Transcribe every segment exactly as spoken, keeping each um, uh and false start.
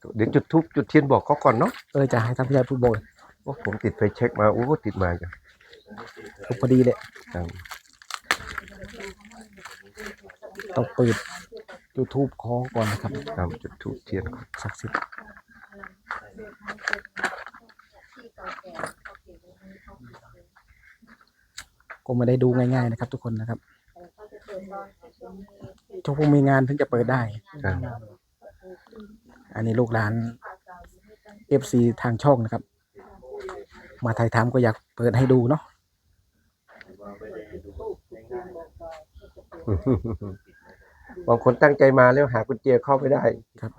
เดี๋ยวจุดธูปจุดเทียนบอกเขาก่อนเนาะเออจะให้ท่านผู้ใหญ่พูดโบยโอ้ผมติดไฟเช็คมาโอ้ติดมาจ้ะถูกพอดีเลยต้องเปิดยูทูบคอก่อนนะครับครับจุดธูปเทียนศักดิ์สิทธิ์ก็ไม่ได้ดูง่ายๆนะครับทุกคนนะครับทุกพวกมีงานถึงจะเปิดได้อันนี้ลูกหลาน เอฟ ซี ทางช่องนะครับมาถ่ายทำก็อยากเปิดให้ดูเนาะบางคนตั้งใจมาแล้วหากุญแจเข้าไม่ได้ครับ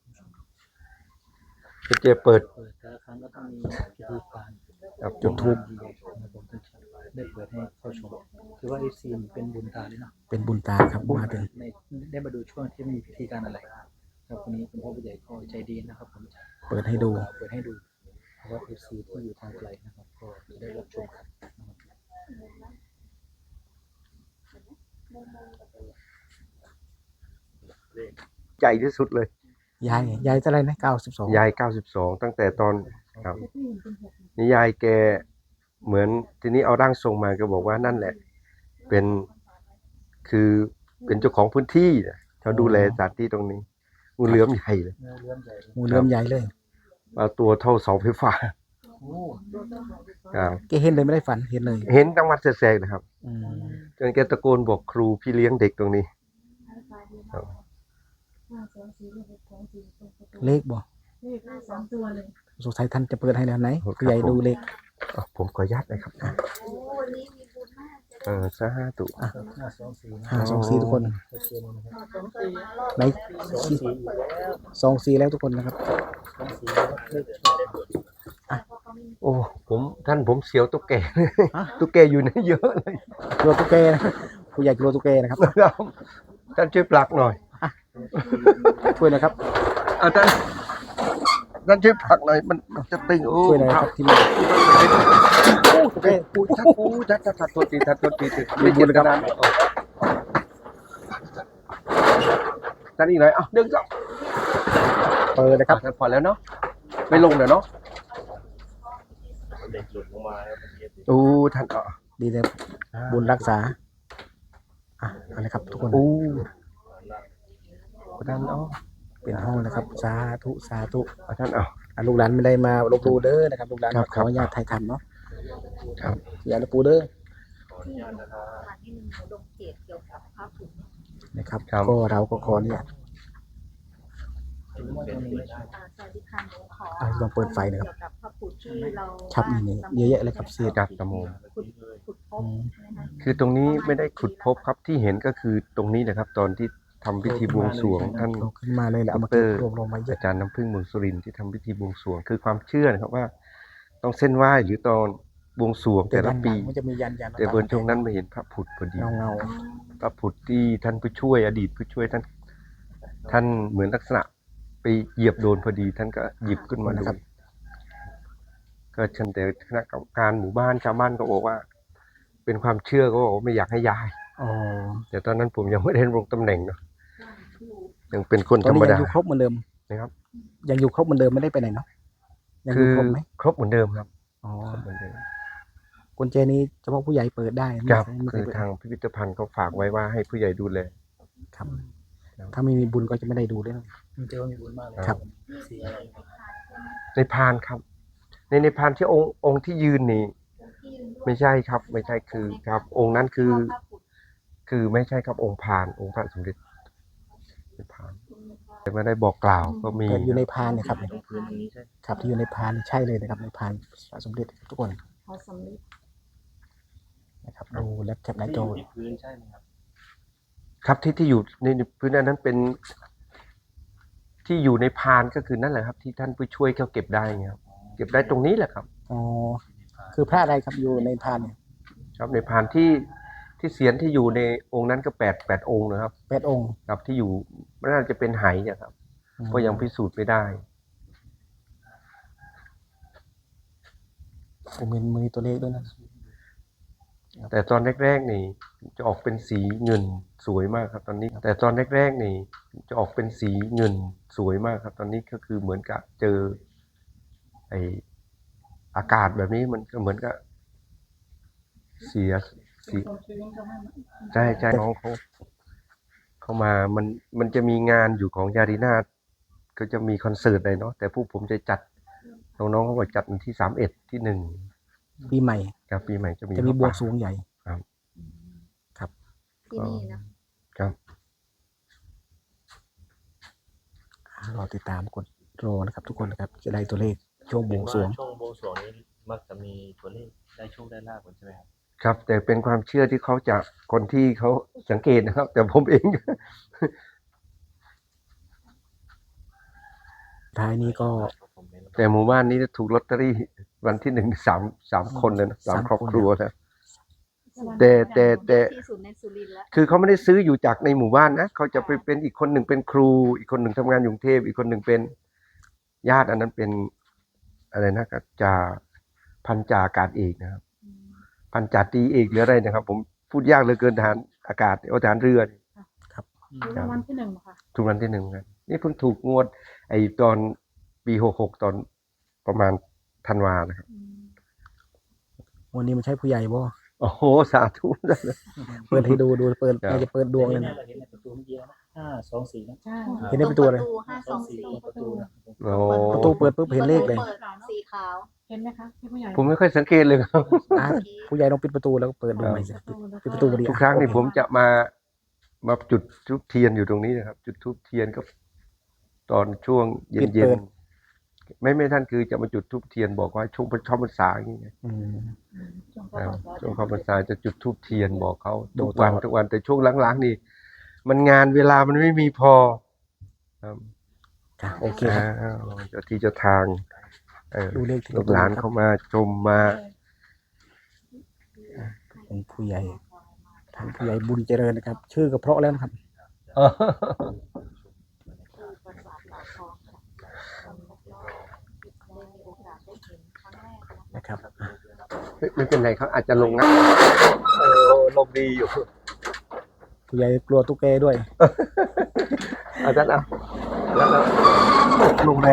กุญแจเปิดแต่ละครั้งก็ต้องมีพิธีการจุดธูปได้เปิดให้เข้าชมคือว่า เอฟ ซี เป็นบุญตาเลยเนาะเป็นบุญตาครับมาถึงได้มาดูช่วงที่มีพิธีการอะไรครับวันนี้คุณพ่อผู้ใหญ่ก็ใจดีนะครับผมเปิดให้ดูเปิดให้ดูเพราะว่า เอฟ ซี ที่อยู่ทางไกลนะครับก็จะได้รับชมกันใหญ่ที่สุดเลยยายยายเท่าไรนะเก้าสิบสองยายเก้าสิบสองตั้งแต่ตอนครับนี่ยายแกเหมือนทีนี้เอาร่างทรงมาก็บอกว่านั่นแหละเป็นคือเป็นเจ้าของพื้นที่เขาดูแลสถานที่ตรงนี้งูเหลือมใหญ่เลยงูเหลือมใหญ่เลยเอาตัวเท่าเสาไฟฟ้าแกเห็นเลยไม่ได้ฝันเห็นเลยเห็นตั้งวัดแสกๆนะครับจนแกตะโกนบอกครูพี่เลี้ยงเด็กตรงนี้เลขบ่เลขสองตัวเลยสงสัยท่านจะเปิดให้แล้วไหนผู้ใหญ่ดูเลขผมขออนุญาตนะครับเออซะห้าตุห้าสองสี่ทุกคนไหนสองสี่แล้วทุกคนนะครับโอ้ผมท่านผมเสียวตุ๊กแกตุ๊กแกอยู่ในเยอะเลยกลัวตุ๊กแกนะผู้ใหญ่กลัวตุ๊กแกนะครับท่านช่วยปลักหน่อยช่วยนะครับอาจารย์ท่านช่วยผลักหน่อยมันจะตึงโอ้ช่วยหน่อยครับที่นี่โอ้เอ้โอ้ชัดโอ้ชัดชัดชัดตัวตีชัดตัวตีไม่เจ็บขนาดท่านอีกหน่อยอ่ะเดินจ้ะเปิดนะครับพอแล้วเนาะไม่ลงเดี๋ยวเนาะโอ้ท่านอ่ะดีเลยบุญรักษาอ่ะอะไรครับทุกคนโอ้ท่านเอาเป็นห้องนะครับสาธุสาธุท่านเอาลูกหลานไม่ได้มาลบดูเด้อนะครับลูกหลานขออนุญาตไทยทำเนาะครับอย่าลบปูเด้อนะครับก็เราก็ขอเนี่ยลองเปิดไฟนะครับครับนี่เยอะแยะเลยครับเสียจัดตะโมคือตรงนี้ไม่ได้ขุดพบครับที่เห็นก็คือตรงนี้นะครับตอนที่ทำพิธีบวงสรวงท่านขึ้นมาเลยแหละเอามาเก็บรวมลงมาอาจารย์น้ำพึ่งเมืองสุรินทร์ที่ทำพิธีบวงสรวงคือความเชื่อนะครับว่าต้องเส้นไหว้หรือตอนบวงสรวงแต่ละปีแต่บนช่วงนั้นมาเห็นพระผุดพอดีเงาพระผุดที่ท่านผู้ช่วยอดีตผู้ช่วยท่านท่านเหมือนลักษณะไปเหยียบโดนพอดีท่านก็หยิบขึ้นมาดูก็เชิญแต่คณะกรรมการหมู่บ้านชาวบ้านก็บอกว่าเป็นความเชื่อก็บอกว่าไม่อยากให้ย้ายแต่ตอนนั้นผมยังไม่ได้ลงตำแหน่งเนาะยังเป็นคนธรรมดายังอยู่ครบเหมือนเดิมนะครับยังอยู่ครบเหมือนเดิมไม่ได้ไปไหนเนาะยังอยู่ครบไหมครบเหมือนเดิมครับอ๋อเหมือนเดิมกุญแจนี้เฉพาะผู้ใหญ่เปิดได้ครับคือทางพิพิธภัณฑ์เขาฝากไว้ว่าให้ผู้ใหญ่ดูแลครับถ้าไม่มีบุญก็จะไม่ได้ดูด้วยมันจะมีบุญมากเลยครับในพานครับในในพานที่องค์องค์ที่ยืนนี่ไม่ใช่ครับไม่ใช่คือครับองค์นั้นคือคือไม่ใช่ครับองค์พานองค์พระสมเด็จในพานแต่ไม่ได้บอกกล่าวก็มีอยู่ในพานเนี่ยครับครับที่อยู่ในพานใช่เลยนะครับในพานพระสมเด็จทุกคนนะครับดูแล็ปแคปหน้าจอพื้นใช่ไหมครับครับที่ที่อยู่ในพื้นนั้นเป็นที่อยู่ในพานก็คือนั่นแหละครับที่ท่านผู้ช่วยเขาเก็บได้ครับเก็บได้ตรงนี้แหละครับอ๋อคือพระอะไรครับอยู่ในพานเนี่ยครับในพานที่ที่เสียนที่อยู่ในองค์นั้นก็แปดแปดองค์นะครับแปดองค์ครับที่อยู่น่าจะเป็นไหเนี่ยครับเพราะยังพิสูจน์ไม่ได้ผมเห็นมือตัวเลขด้วยนะแต่ตอนแรกๆนี่จะออกเป็นสีเงินสวยมากครับตอนนี้แต่ตอนแรกๆนี่จะออกเป็นสีเงินสวยมากครับ ตอนนี้ก็คือเหมือนกับเจอไออากาศแบบนี้มันก็เหมือนกับเสียเสียใช่ใช่น้องเขาเขามามันมันจะมีงานอยู่ของยารีนาก็จะมีคอนเสิร์ตเลยเนาะแต่พวกผมจะจัดน้องๆเขาบอกจัดวันที่สามเอ็ดที่หนึ่งปีใหม่ครับปีใหม่จะมีจะมีบวงผ้าสรวงใหญ่ครับครับที่นี่นะครับรอติดตามกดรอนะครับ ทุกคนนะครับจะได้ตัวเลขช่วงบวงสรวงช่วงบวงสรวงนี้มักจะมีตัวเลขได้โชคได้ลาภกันใช่ไหมครับครับแต่เป็นความเชื่อที่เขาจะคนที่เขาสังเกตนะครับ แต่ผมเองท้ายนี้ก็แต่หมู่บ้านนี้ถูกลอตเตอรี่วันที่หนึ่งสามสามคนเลยนะสามสามครอบคนครัวนะ แต่แต่แต่ที่สุดในสุรินทร์แล้วคือเขาไม่ได้ซื้ออยู่จากในหมู่บ้านนะเขาจะไปเป็นอีกคนหนึ่งเป็นครู อีกคนหนึ่งทำงานอยู่กรุงเทพอีกคนหนึ่งเป็นญาติอันนั้นเป็นอะไรนะก็จ่าพันจ่าอากาศเอกนะครับ พันจ่าตรีเอกหรืออะไรนะครับ ผมพูดยากเหลือเกินทหารอากาศเอาทหารเรือนี่รางวัลที่หนึ่งค่ะถูกรางวัลที่หนึ่งกันนี่เพิ่งถูกงวด ไอ้ตอนปีหกหกตอนประมาณธันวานะครับวันนี้มันใช่ผู้ใหญ่บ่โอ้โหสาธุเปิดให้ดูดูเปิดครับน่าจะเปิดดวงเลยเนี่นะยเราเห็นในประตูเมื่อกี้นะห้าสองสี่นะใช่เห็นได้เป็นตัวเลยห้าสองสี่ตรงประตูนะโอ้ประตูเปิดปุ๊บเห็นเลขเลยปิดสีขาวเห็นไหมคะพี่ผู้ใหญ่ผมไม่ค่อยสังเกตเลยครับอ่ะผู้ใหญ่ลองปิดประตูแล้วก็เปิดดูใหม่สิปิดประตูพอดีทุกครั้งนี่ผมจะมามาจุดทูบเทียนอยู่ตรงนี้นะครับ จุดทูบเทียนก็ ตอนช่วงเย็นๆไม่ไม่ท่านคือจะมาจุดทูบเทียนบอกว่าช่วงช่วงพรรษาอย่างเงี้ยอืมครับช่วงเข้าพรรษาจะจุดทูบเทียนบอกเขาดูทุกวันตลอดทุกวันแต่ช่วงหลังๆนี่ มันงานเวลามันไม่มีพอครับค่ะโอเคครับอ้าวเจ้าที่เจ้าทางเออดูเลขที่ลูกหลานครับเข้ามาชมมาเป็นผู้ใหญ่ทางผู้ใหญ่บุญเจริญนะครับ ชื่อก็เพราะแล้วนะครับ นะครับไม่ไม่เป็นไรเขาอาจจะลงนะเออลมดีอยู่ผู้ใหญ่กลัวตุ๊กแกด้วยอาจารย์เอาแล้วแล้วลงแรง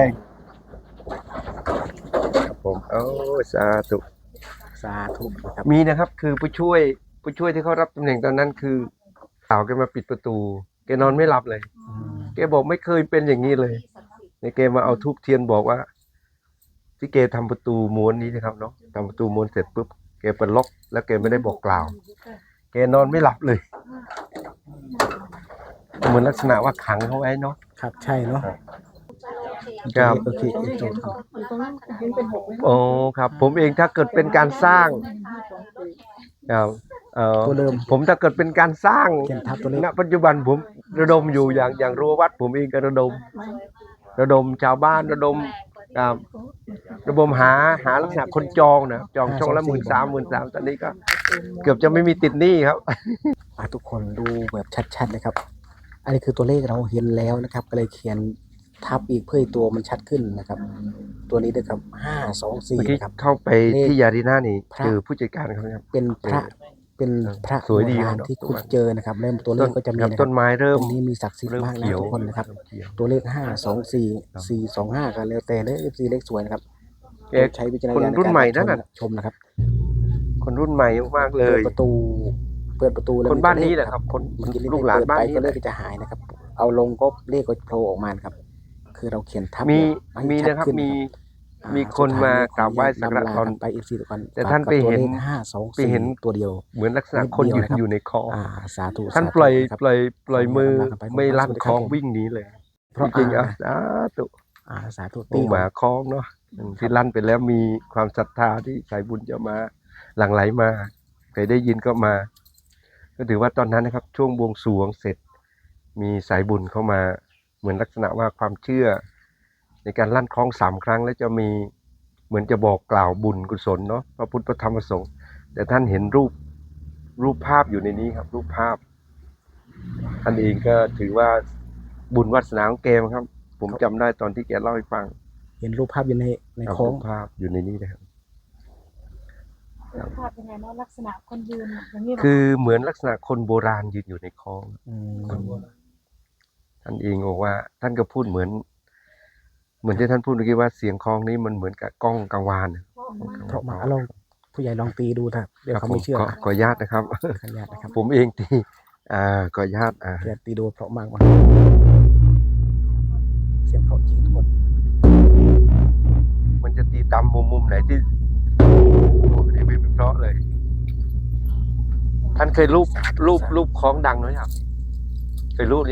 ครับผมโอ้สาธุสาธุนะครับมีนะครับ คือผู้ช่วยผู้ช่วยที่เขารับตำแหน่งตอนนั้นคือสาวแกมาปิดประตูแกนอนไม่หลับเลยอืมแกบอกไม่เคยเป็นอย่างนี้เลยในแกมาเอาทูบเทียนบอกว่า ที่แกทำประตูม้วนนี้นะครับเนาะทำประตูม้วนเสร็จปุ๊บแกเปิดล็อก แล้วแกไม่ได้บอกกล่าว แกนอนไม่หลับเลย เหมือนลักษณะว่าขังเขาไว้เนาะครับใช่เนาะครับโอเคโอเคจบครับอยู่ตรงนั้นเห็นเป็นหกเลยโอ้ครับ ผมเองถ้าเกิดเป็นการสร้างครับเอ่อตัวเดิมผมถ้าเกิดเป็นการสร้างเขียนทับตัวเลขณปัจจุบันผมระดมอยู่อย่างอย่างรั้ววัด ผมเองก็ระดม ระดมชาวบ้านระดมครับระดมหาหาลักษณะคนจองนะจองช่องละหมื่นสามหมื่นสามตอนนี้ก็ เกือบจะไม่มีติดหนี้ครับอ่ะทุกคนดูแบบชัดๆนะครับ อันนี้คือตัวเลขเราเห็นแล้วนะครับ ก็เลยเขียนทับอีกเพื่อให้ตัวมันชัดขึ้นนะครับ ตัวนี้นะครับห้าสองสี่เมื่อกี้นะครับเข้าไปที่ยารีน่านี่พระเจอผู้จัดการเขาครับเป็นพระเป็นพระสวยดีโบราณเนอะที่คุณเจอนะครับ เริ่มตัวเลขก็จะมีครับนะคต้รับนไม้เริ่ตมรงนี้มีศักดิ์สิทธิ์เริ่มมากนะเขียวทุกคนนะครับเริ่มเขียวตัวเลขห้าสองสี่สี่สองห้ากันแล้วแต่เลขสี่เลขสวยนะครับเอ๊ะใช้วิจารณคนญาณในรุ่นการใหม่รับชนั่นมน่ะชมนะครับคนรุ่นใหม่มากๆเลเปิยดประตู เปิดประตูแล้วคนมีบ้านตัวนี้เลขแหละครับ คนเมื่อกี้ลูกหลานเปิดบ้านไปนี้ก็แหเลละขก็จะหายนะครับ เอาลงก็เลขก็โผล่ออกมานะครับ คือเราเขียนทับมีให้มีชัดนะครับขึ้มีอ่ามีคนสุดท้ยมากราบไหว้สักการะนำลาตอนกันไปอีกสี่ทุกคนแต่ท่านไปเห็นห้าสองไปสี่เห็นตัวเดียวเหมือนลักษณะคนยืนอยู่ในคลองอ่าสาธุท่านสธุปล่อยนะครับปล่อยปล่อยมือขอให้เราไปไม่ลั่นสวัสดีคครัลบองผมวิ่งหนีเลยเพราะจริงๆอ่ะอ่าสาธุอ่าสาธุหมูหมาคลองเนาะที่ลั่นไปแล้วมีความศรัทธาที่สายบุญจะมาหลั่งไหลมาใครได้ยินก็มา ก็ถือว่าตอนนั้นนะครับ ช่วงบวงสรวงเสร็จ มีสายบุญเข้ามา เหมือนลักษณะว่าความเชื่อ ในการลั่นคล้องสามครั้งแล้วจะมีเหมือนจะบอกกล่าวบุญกุศลเนาะพระพุทธพระธรรมพระสงฆ์แต่ท่านเห็นรูปรูปภาพอยู่ในนี้ครับ รูปภาพท่านเองก็ถือว่าบุญวาสนาของแกมั้งครับ ผมจำได้ตอนที่แกเล่าให้ฟังเห็นรูปภาพอยู่ในในครับโค้งรูปภาพอยู่ในนี้นะครับภาพยังไงเนาะลักษณะคนยืนอย่างนี้เหรอคือเหมือนลักษณะคนโบราณยืนอยู่ในคลองอืมท่านเองบอกว่าท่านก็พูดเหมือน เหมือนที่ท่านพูดเมื่อกี้ว่าเสียงคลองนี้มันเหมือนกับกล้องกังวานเพราะมาลองผู้ใหญ่ลองตีดูถ้าเดี๋ยวครับเขาผมไม่เชื่อขอขออนุญาตนะครับขออนุญาตนะครับผมเองตีอ่าขออนุญาตอ่าเดี๋ยวตีดูเพราะมากกว่าเสียงเพราะจริงทุกคนมันจะตีตามมุมมุมไหนที่โอ้นี่ไม่เพราะเลย ท่านเคยรูปรูปรูปคล้องดังไหมครับเคยรูป